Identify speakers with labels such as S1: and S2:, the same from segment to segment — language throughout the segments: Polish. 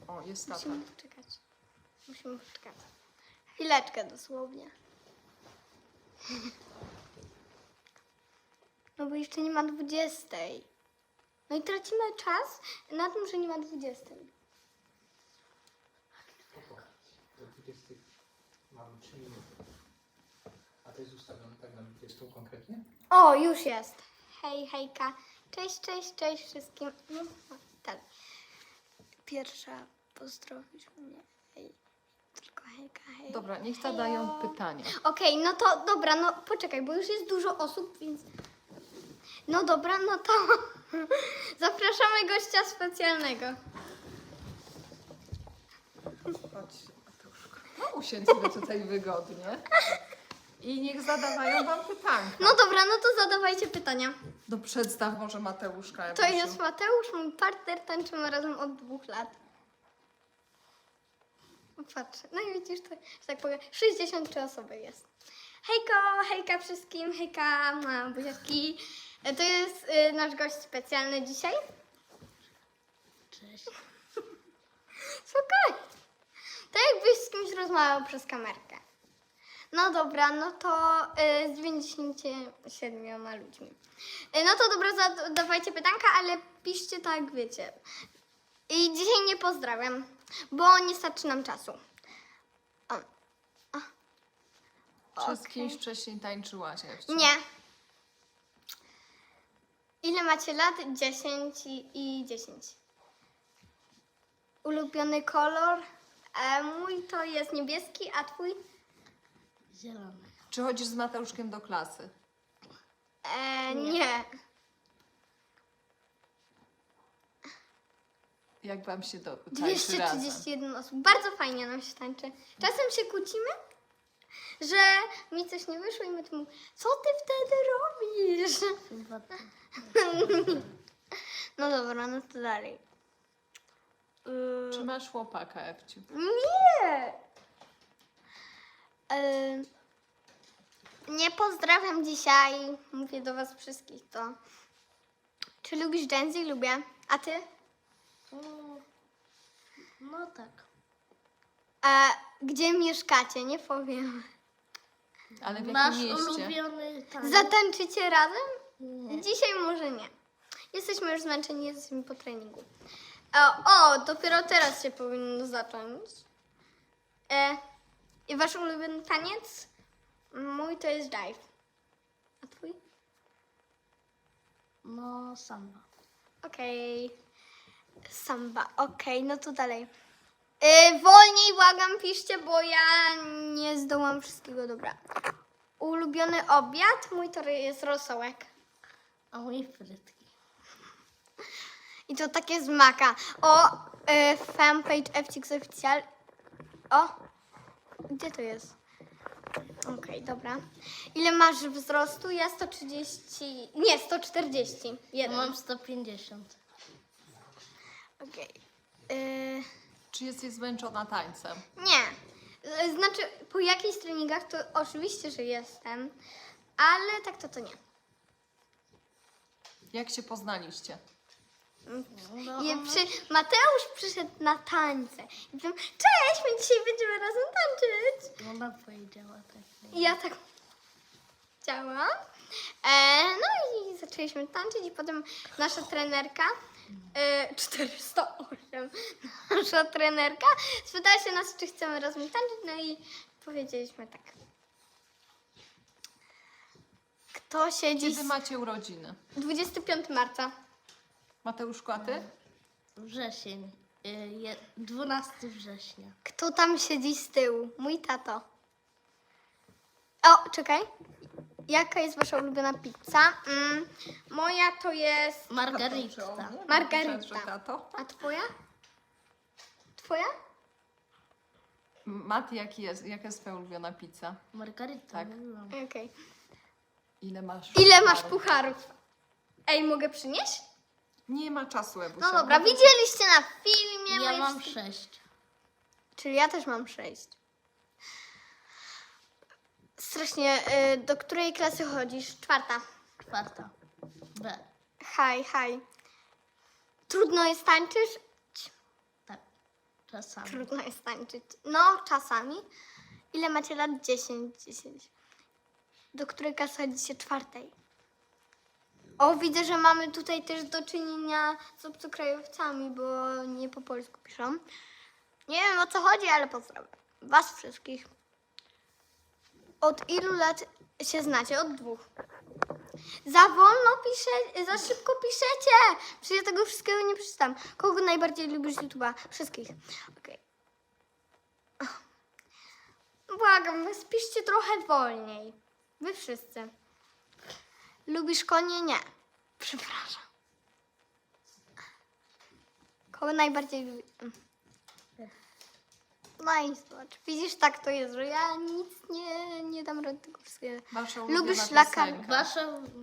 S1: O, jest tata.
S2: Musimy poczekać. Musimy poczekać. Chwileczkę dosłownie. No bo jeszcze nie ma 20. No i tracimy czas na tym, że nie ma 20.
S3: Do 20 mamy 3 minuty. A to jest ustawione tak na 20 konkretnie?
S2: O, już jest. Hej, hejka. Cześć, cześć, cześć wszystkim. No, tak. Pierwsza pozdrowisz mnie. Hej. Tylko hejka, hej.
S1: Dobra, niech zadają pytania.
S2: Okej, no to dobra, no poczekaj, bo już jest dużo osób, więc... No dobra, no to zapraszamy gościa specjalnego.
S1: Chodź, Mateuszko. No usiądź sobie tutaj wygodnie. I niech zadawają wam pytanka.
S2: No dobra, no to zadawajcie pytania.
S1: No przedstaw może Mateuszka.
S2: To jest Mateusz, mój partner, tańczymy razem od 2 lat. Patrz, no i widzisz, to, że tak powiem, 63 osoby jest. Hejko, hejka wszystkim, hejka, buziaczki. To jest nasz gość specjalny dzisiaj.
S4: Cześć.
S2: Spokojnie. Tak jakbyś z kimś rozmawiał przez kamerkę. No dobra, no to z 97 ludźmi. No to dobra, zadawajcie pytanka, ale piszcie tak, wiecie. I dzisiaj nie pozdrawiam, bo nie starczy nam czasu.
S1: Czy z
S2: Okej.
S1: kimś wcześniej tańczyłaś? Ewciu?
S2: Nie. Ile macie lat? 10 i 10. Ulubiony kolor? Mój to jest niebieski, a twój?
S4: Zielony.
S1: Czy chodzisz z Mateuszkiem do klasy?
S2: Nie.
S1: Jak wam się tańczy razem?
S2: 231 osób. Bardzo fajnie nam się tańczy. Czasem się kłócimy, że mi coś nie wyszło i my tu mówimy, co ty wtedy robisz?
S4: Chyba tak.
S2: No dobra, no to dalej.
S1: Czy masz chłopaka, Ewciu?
S2: Nie! Nie pozdrawiam dzisiaj. Mówię do was wszystkich to. Czy lubisz Gen Z? Lubię. A ty?
S4: No tak.
S2: Gdzie mieszkacie? Nie powiem.
S1: Ale w jakim
S4: Masz
S1: mieście?
S4: ulubiony taniec?
S2: Zatańczycie razem?
S4: Nie.
S2: Dzisiaj może nie. Jesteśmy już zmęczeni, jesteśmy po treningu. Dopiero teraz się powinno zacząć. I wasz ulubiony taniec? Mój to jest dive. A twój?
S4: No samba.
S2: Okej. Samba. Okej, no to dalej. Wolniej błagam piszcie, bo ja nie zdołam wszystkiego. Dobra. Ulubiony obiad? Mój to jest rosołek.
S4: A mój frytki.
S2: I to takie z maka. Fanpage FCX Oficjal. Gdzie to jest? Okej, dobra. Ile masz wzrostu? Ja 130... Nie, 140.
S4: Ja mam 150.
S2: Okej.
S1: Czy jesteś zmęczona tańcem?
S2: Nie. Znaczy, po jakichś treningach to oczywiście, że jestem, ale tak to nie.
S1: Jak się poznaliście?
S4: No,
S2: Mateusz przyszedł na tańce. I powiem, cześć, my dzisiaj będziemy razem tańczyć.
S4: ona powiedziała tak.
S2: I ja tak chciałam. No i zaczęliśmy tańczyć i potem nasza trenerka, 408, nasza trenerka spytała się nas, czy chcemy razem tańczyć, no i powiedzieliśmy tak. Kto siedzi...
S1: Kiedy macie urodziny?
S2: 25 marca.
S1: Mateuszku, a ty?
S4: Wrzesień. 12 września.
S2: Kto tam siedzi z tyłu? Mój tato. Czekaj. Jaka jest wasza ulubiona pizza? Moja to jest...
S4: Margarita.
S2: Margarita.
S1: Myślałam, że tato.
S2: A twoja? Twoja?
S1: Mati, jaka jest twoja ulubiona pizza?
S4: Margarita.
S1: Tak.
S4: mówiłam.
S2: Okej.
S1: Ile masz?
S2: Ile masz pucharów? Ej, mogę przynieść?
S1: Nie ma czasu, Ewusia.
S2: No dobra, widzieliście na filmie.
S4: Ja
S2: moje
S4: mam
S2: wszystkie-
S4: 6.
S2: Czyli ja też mam 6. Strasznie. Do której klasy chodzisz? 4.
S4: 4. B.
S2: Haj. Trudno jest tańczyć?
S4: Tak. Czasami.
S2: Trudno jest tańczyć. No, czasami. Ile macie lat? 10. 10. Do której klasy chodzicie? 4. O, widzę, że mamy tutaj też do czynienia z obcokrajowcami, bo nie po polsku piszą. Nie wiem, o co chodzi, ale pozdrawiam was wszystkich. Od ilu lat się znacie? Od 2. Za wolno piszecie, za szybko piszecie. Przecież ja tego wszystkiego nie przeczytam. Kogo najbardziej lubisz z YouTube'a? Wszystkich. Okej. Błagam, spiszcie trochę wolniej. Wy wszyscy. Lubisz konie? Nie. Przepraszam. Kogo najbardziej lubisz? No i zobacz. Widzisz, tak to jest, że ja nic nie dam rady tego wszystkiego.
S1: Wasza
S2: Lubisz
S1: ulubiona
S2: szlakan?
S1: piosenka.
S4: Wasza...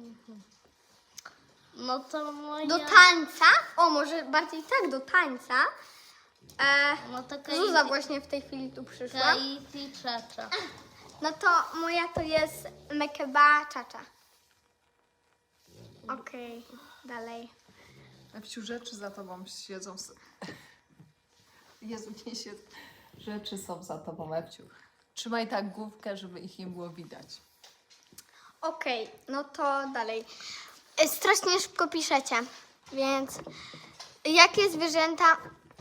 S4: No to moja...
S2: Do tańca? O, może bardziej tak, do tańca.
S4: No to
S2: Zuza właśnie w tej chwili tu przyszła.
S4: Kaiti Czacza.
S2: No to moja to jest Mekeba Czacza. Okej, dalej.
S1: Ewciu, rzeczy za tobą siedzą. Jezu, nie siedzą. Rzeczy są za tobą, Ewciu. Trzymaj tak główkę, żeby ich nie było widać.
S2: Okej, no to dalej. Strasznie szybko piszecie, więc jakie zwierzęta...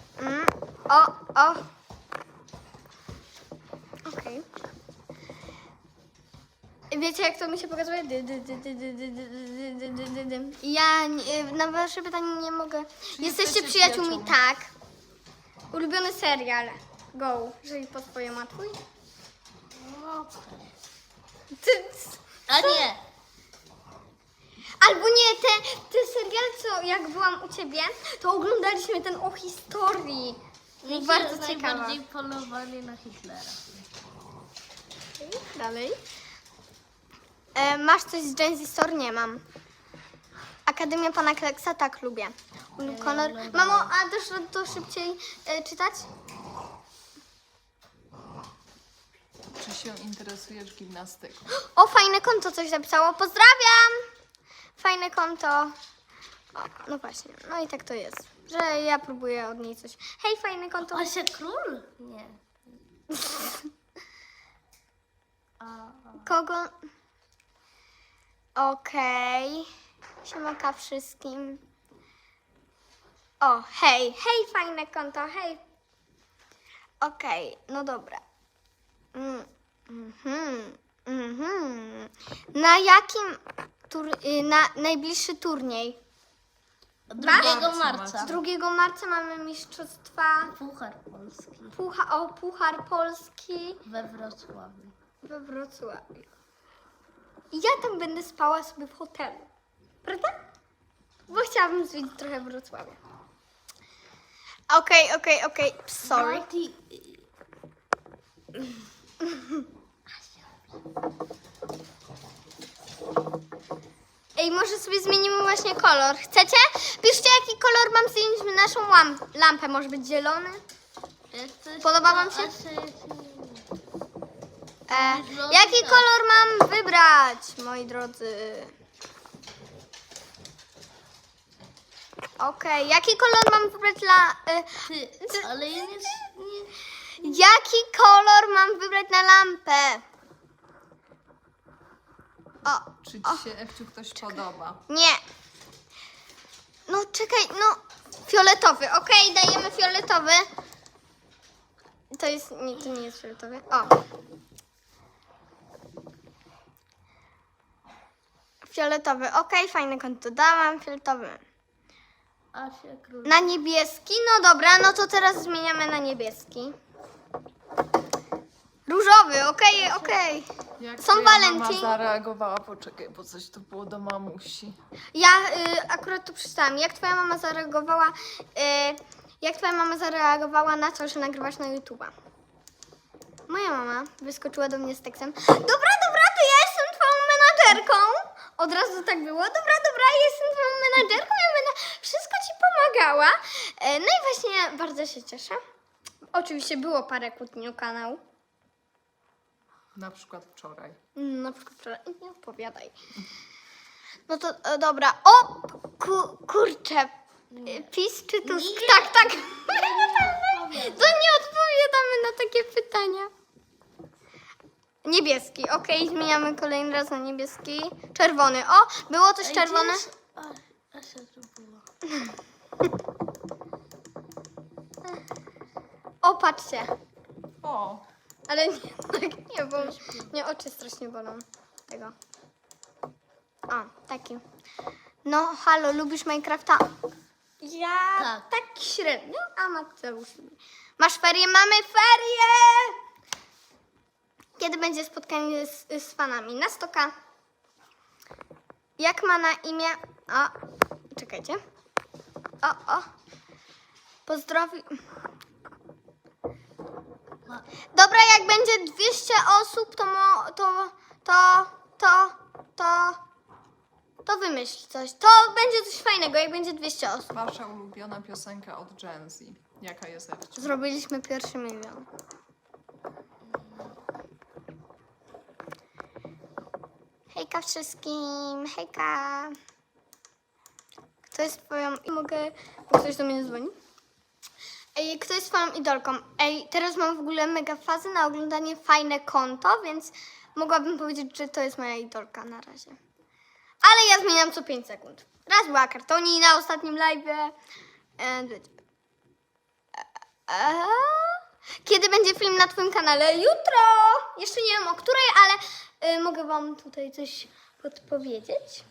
S2: Okej. Wiecie, jak to mi się pokazuje? Ja na wasze pytanie nie mogę. Jesteście przyjaciółmi, tak. Ulubiony serial. Go. Żyj po swojemu, a twój?
S4: No,
S2: Ty,
S4: a nie!
S2: albo nie, te serial, co jak byłam u ciebie, to oglądaliśmy ten o historii. Bardzo ciekawa.
S4: Najbardziej polowany na Hitlera.
S2: Dalej. Masz coś z Gen Z Store? Nie mam. Akademia Pana Kleksa? Tak, lubię. Kolor. Mamo, a też to szybciej czytać?
S1: Czy się interesujesz gimnastyką?
S2: O, fajne konto coś napisało. Pozdrawiam! Fajne konto. O, no właśnie. No i tak to jest, że ja próbuję od niej coś. Hej, fajne konto.
S4: Asia Król? Nie.
S2: Kogo? Okej. Siemaka wszystkim. O, hej. Hej, fajne konto, hej. Okej, no dobra. Na jakim na najbliższy turniej?
S4: 2 marca.
S2: 2 marca mamy mistrzostwa
S4: Puchar Polski
S2: Puchar Polski
S4: we Wrocławiu.
S2: we Wrocławiu. I ja tam będę spała sobie w hotelu. Prawda? Bo chciałabym zwiedzić trochę Wrocławia. Okej. Sorry.
S4: Mati...
S2: Ej, może sobie zmienimy właśnie kolor. Chcecie? Piszcie, jaki kolor mam zdjąć naszą lampę. Może być zielony? Podoba wam się? Jaki kolor mam wybrać, moi drodzy? Okej, jaki kolor mam wybrać
S4: Ale ja nie...
S2: Jaki kolor mam wybrać na lampę?
S1: Czy ci się, Ewciu, ktoś podoba?
S2: Nie. No czekaj, no. Fioletowy, okej, dajemy fioletowy. To nie jest fioletowy. O. Fioletowy, okej, fajne konto dałam, fioletowy.
S4: Asia Król.
S2: Na niebieski, no dobra, no to teraz zmieniamy na niebieski. Różowy, okej.
S1: Jak
S2: Są
S1: twoja mama
S2: walentynki.
S1: zareagowała? Poczekaj, bo coś tu było do mamusi.
S2: Ja akurat tu przeczytałam. Jak twoja mama zareagowała na to, że nagrywasz na YouTube'a? Moja mama wyskoczyła do mnie z tekstem. Dobra, to ja jestem twoją menadżerką. Od razu tak było. Dobra, ja jestem twoją menadżerką. Ja będę wszystko ci pomagała. No i właśnie bardzo się cieszę. Oczywiście było parę kłótni o kanał.
S1: Na przykład wczoraj.
S2: Na przykład wczoraj. Nie opowiadaj. No to dobra. O! Kurczę. PiS czy Tusk? Tak. To Niebieski. Okej, zmieniamy kolejny raz na niebieski. Czerwony. O, było coś czerwone?
S4: Asia to była.
S2: O, patrzcie.
S1: O,
S2: Ale nie, tak nie, bo mnie oczy strasznie bolą. Tego. O, taki. No, halo, lubisz Minecrafta? Ja tak średnio, a Mateusz lubi. Masz ferie? Mamy ferie! Kiedy będzie spotkanie z fanami? Na 100K. Jak ma na imię? O, czekajcie. O. Pozdrowi... Dobra, jak będzie 200 osób, to wymyśl coś. To będzie coś fajnego, jak będzie 200 osób.
S1: wasza ulubiona piosenka od Gen Z. Jaka jest, Ewciu?
S2: Zrobiliśmy pierwszy milion. Hejka wszystkim, hejka. Kto jest twoją... Mogę... Ktoś do mnie dzwoni? Ej, kto jest twoją idolką? Ej, teraz mam w ogóle mega fazę na oglądanie fajne konto, więc mogłabym powiedzieć, że to jest moja idolka na razie. Ale ja zmieniam co 5 sekund. Raz była Kartoni na ostatnim live'ie. Kiedy będzie film na twoim kanale? Jutro! Jeszcze nie wiem o której, ale mogę wam tutaj coś podpowiedzieć.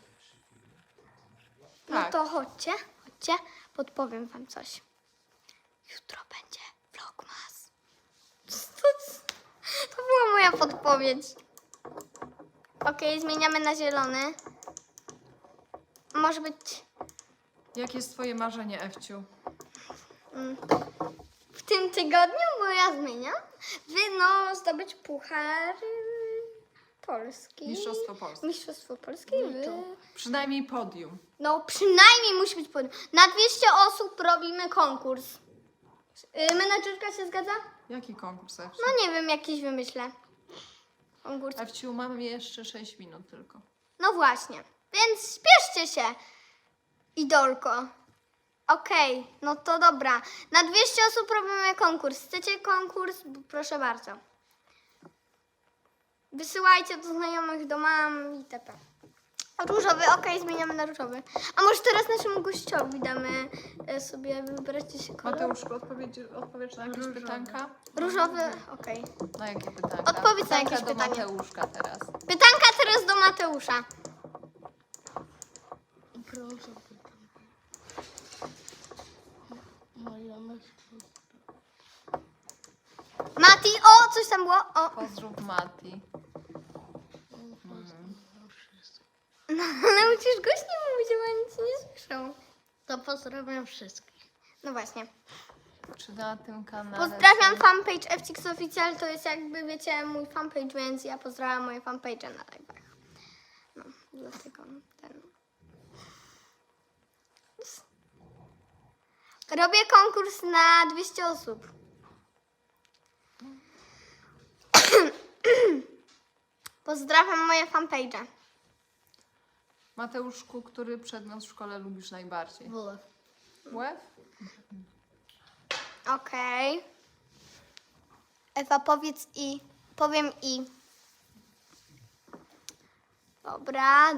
S2: No
S1: Tak.
S2: to chodźcie, podpowiem wam coś. Jutro będzie vlogmas. To była moja podpowiedź. Okej, zmieniamy na zielony. Może być
S1: Jakie jest twoje marzenie, Ewciu?
S2: w tym tygodniu, bo ja zmieniam. No, zdobyć puchar Polski.
S1: Mistrzostwo Polski.
S2: Mistrzostwo Polski.
S1: Przynajmniej podium.
S2: No, przynajmniej musi być podium. Na 200 osób robimy konkurs. Menadżerka się zgadza?
S1: Jaki konkurs, Ewciu?
S2: No nie wiem, jakiś wymyślę. Konkurs.
S1: Ewciu, mamy jeszcze 6 minut tylko.
S2: No właśnie. Więc spieszcie się, idolko. Okej, no to dobra. Na 200 osób robimy konkurs. Chcecie konkurs? Proszę bardzo. Wysyłajcie do znajomych, do mam itp. Różowy, okej, zmieniamy na różowy. A może teraz naszemu gościowi damy sobie wybrać się kolor?
S1: Mateuszku, odpowiesz na jakieś pytanka?
S2: Różowy, okej.
S1: Na jakie pytanka?
S2: Odpowiedz na jakieś
S1: do
S2: pytanie.
S1: Mateuszka teraz.
S2: Pytanka teraz do Mateusza.
S4: Proszę. Moja myśl.
S2: Mati, o, coś tam było. O,
S1: Pozdrów Mati.
S2: no, ale musisz głośniej mówić, bo oni cię nie słyszą.
S4: To pozdrawiam wszystkich.
S2: No właśnie.
S1: Czy na tym kanale...
S2: Pozdrawiam fanpage FCX Official, to jest jakby, wiecie, mój fanpage, więc ja pozdrawiam moje fanpage na live'ach. No, dlatego ten... Robię konkurs na 200 osób. Pozdrawiam moje fanpage.
S1: Mateuszku, który przedmiot w szkole lubisz najbardziej?
S4: WF.
S1: WF?
S2: Okej. Ewa, powiedz i. Powiem i. Dobra.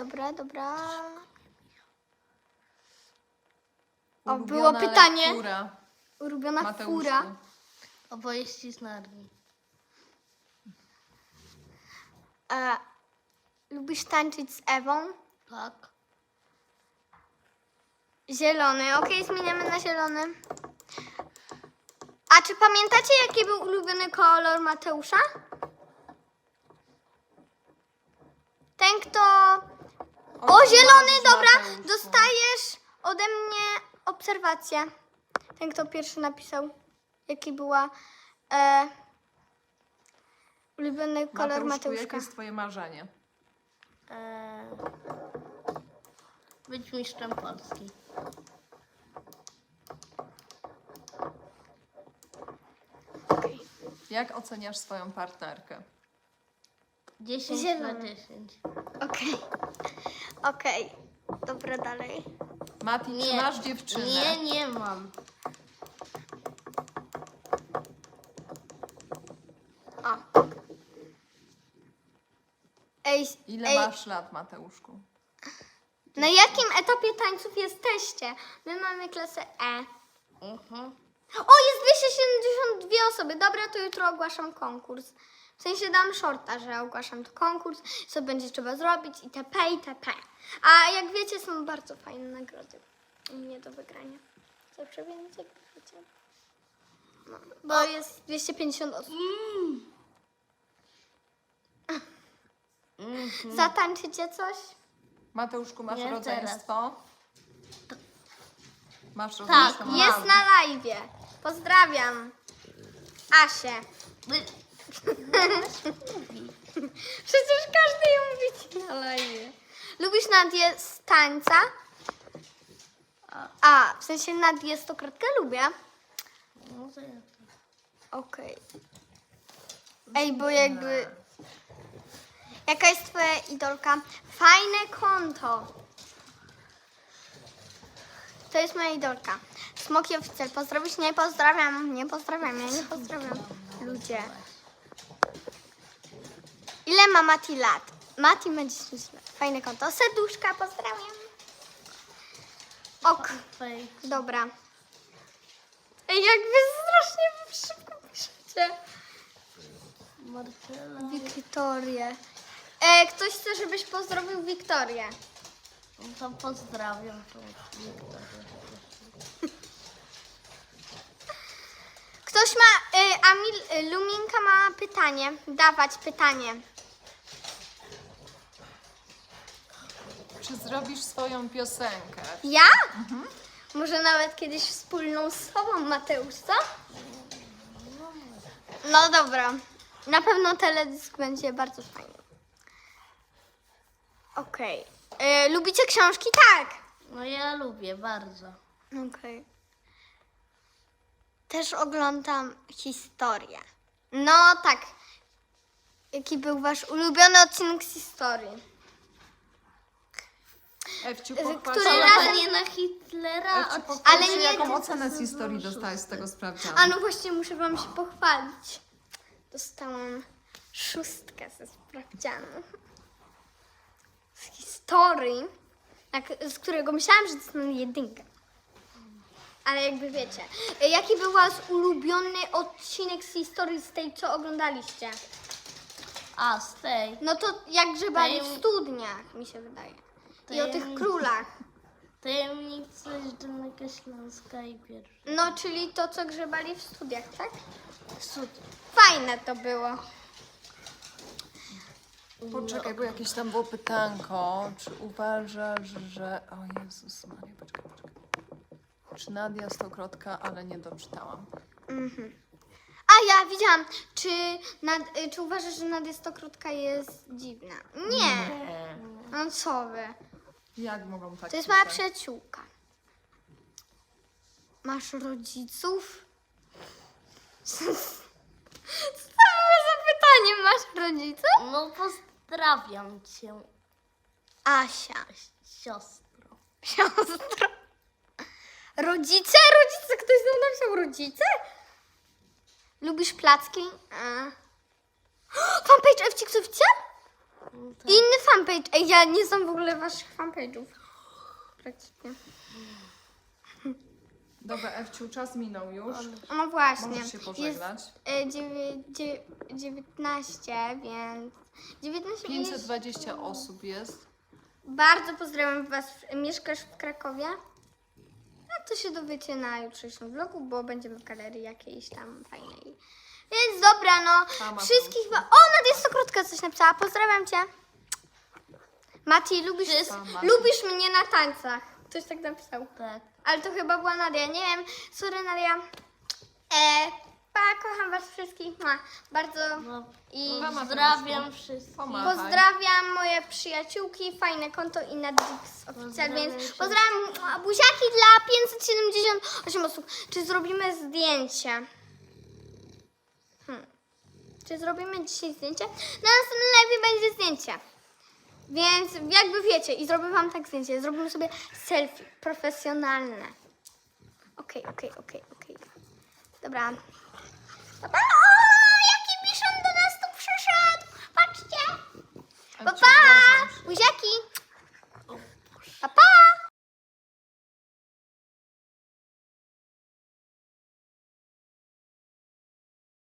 S2: O, było
S1: Ulubiona
S2: pytanie.
S1: lektura,
S2: Ulubiona
S1: Mateuszku.
S2: fura.
S4: Opowieści z Narni.
S2: Lubisz tańczyć z Ewą?
S4: Tak.
S2: Zielony. Okej, zmieniamy na zielony. A czy pamiętacie, jaki był ulubiony kolor Mateusza? Ten, kto... O, zielony, dobra.
S1: Mateuszu.
S2: Dostajesz ode mnie obserwację. Ten, kto pierwszy napisał, jaki była ulubiony kolor
S1: Mateuszku,
S2: Mateuszka.
S1: jakie jest twoje marzenie?
S4: Być mistrzem Polski.
S1: Jak oceniasz swoją partnerkę?
S4: 10
S2: Zielony.
S4: na 10.
S2: Okej. Dobra, dalej.
S1: Mati, czy masz dziewczynę?
S4: Nie mam.
S2: O. Ej,
S1: Ile
S2: ej,
S1: masz lat, Mateuszku?
S2: na jakim etapie tańców jesteście? My mamy klasę E.
S4: Mhm.
S2: O, jest 272 osoby. Dobra, to jutro ogłaszam konkurs. W sensie dam shorta, że ogłaszam to konkurs, co będzie trzeba zrobić itp. itp. A jak wiecie, są bardzo fajne nagrody u mnie do wygrania. Zawsze więcej, jak wiecie. No, bo jest 250 osób. Zatańczycie coś?
S1: Mateuszku, masz
S4: Nie,
S1: rodzeństwo? Masz
S4: Tak,
S1: rodzeństwo?
S2: Jest
S1: Mam.
S2: na live. Pozdrawiam. Asię. Przecież każdy ją widzi na live. Lubisz Nadię z tańca? A, w sensie Nadię stokrotkę lubię.
S4: No to ja to.
S2: Okej. Ej, bo jakby... Jaka jest twoja idolka? Fajne konto. To jest moja idolka. Smoki Oficjal. Pozdrowisz? Nie pozdrawiam. Nie pozdrawiam. Ja nie pozdrawiam. Ludzie. Ile ma Mati lat? Mati ma 10 lat. Fajne konto. Serduszka, pozdrawiam. Ok,
S4: Fej.
S2: dobra. Ej, jak wy strasznie szybko piszecie.
S4: Marcela.
S2: Wiktorię. Ktoś chce, żebyś pozdrowił Wiktorię.
S4: No to pozdrawiam tą Wiktorię.
S2: Ktoś ma, Luminka ma pytanie. Dawać pytanie.
S1: Czy zrobisz swoją piosenkę?
S2: Ja? Może nawet kiedyś wspólną z tobą, Mateusz, co? No dobra. Na pewno teledysk będzie bardzo fajny. Okej. Lubicie książki? Tak.
S4: No ja lubię bardzo.
S2: Okej. Też oglądam historię. No tak. Jaki był wasz ulubiony odcinek z historii?
S1: Ewciu,
S2: Który
S1: pochwal się,
S2: razem-
S4: Polowanie na Hitlera.
S1: Ewciu,
S4: od-
S1: pochwal
S2: Ale
S1: się,
S2: nie-
S1: jaką ocenę z historii dostałeś z tego sprawdzianu?
S2: A no właśnie, muszę wam się pochwalić. Dostałam 6 ze sprawdzianu. Z historii, z którego myślałam, że dostanę 1. Ale jakby wiecie. Jaki był wasz ulubiony odcinek z historii, z tej, co oglądaliście?
S4: A, z tej.
S2: No to jak grzebali w
S4: Tajem-
S2: studniach, mi się wydaje. I o tych
S4: Tajemnic-
S2: królach.
S4: Tajemnica Dolnego Śląska i pierwszy.
S2: No, czyli to, co grzebali w studiach, tak?
S4: Cud.
S2: Fajne to było.
S1: Poczekaj, bo jakieś tam było pytanko. Czy uważasz, że... O Jezus Maria, poczekaj. Czy Nadia Stokrotka, ale nie doczytałam.
S2: A ja widziałam, czy uważasz, że Nadia Stokrotka jest dziwna? Nie. No co wy?
S1: Jak mogą tak
S2: To jest moja
S1: pisać?
S2: przyjaciółka. Masz rodziców? Co to było za pytanie? Masz rodziców?
S4: No pozdrawiam cię,
S2: Asia.
S4: siostro.
S2: Siostro. Rodzice? Rodzice? Ktoś nam napisał rodzice? Lubisz placki? Fanpage FCX Oficjal?
S4: No tak.
S2: Inny fanpage. Ej, ja nie znam w ogóle waszych fanpage'ów. Praktycznie.
S1: Dobra, Ewciu, czas minął już.
S2: No właśnie.
S1: Możesz się pożegnać.
S2: Jest 19, więc... 19 jest...
S1: 520 osób jest.
S2: Bardzo pozdrawiam was. Mieszkasz w Krakowie? A to się dowiecie na jutrzejszym vlogu, bo będziemy w galerii jakiejś tam fajnej. Więc dobra, no.
S1: Mama
S2: Wszystkich...
S1: to
S2: O, Nadia Stokrotka coś napisała. Pozdrawiam cię. Mati, lubisz mnie na tańcach. Ktoś tak napisał.
S4: Tak.
S2: Ale to chyba była Nadia. Nie wiem. Sorry, Nadia. Pa, kocham was wszystkich. Bardzo.
S4: No,
S2: I
S4: pozdrawiam wszystkich.
S1: Pomachaj.
S2: pozdrawiam moje przyjaciółki, fajne konto i Nadix Oficjal,
S4: Pozdrawiam
S2: więc
S4: wszystkich.
S2: pozdrawiam buziaki dla 578 osób. Czy zrobimy zdjęcie? Czy zrobimy dzisiaj zdjęcie? Na następnym live będzie zdjęcie. Więc jakby wiecie, i zrobię wam tak zdjęcie. Zrobimy sobie selfie profesjonalne. Okej. Dobra. Pa, pa!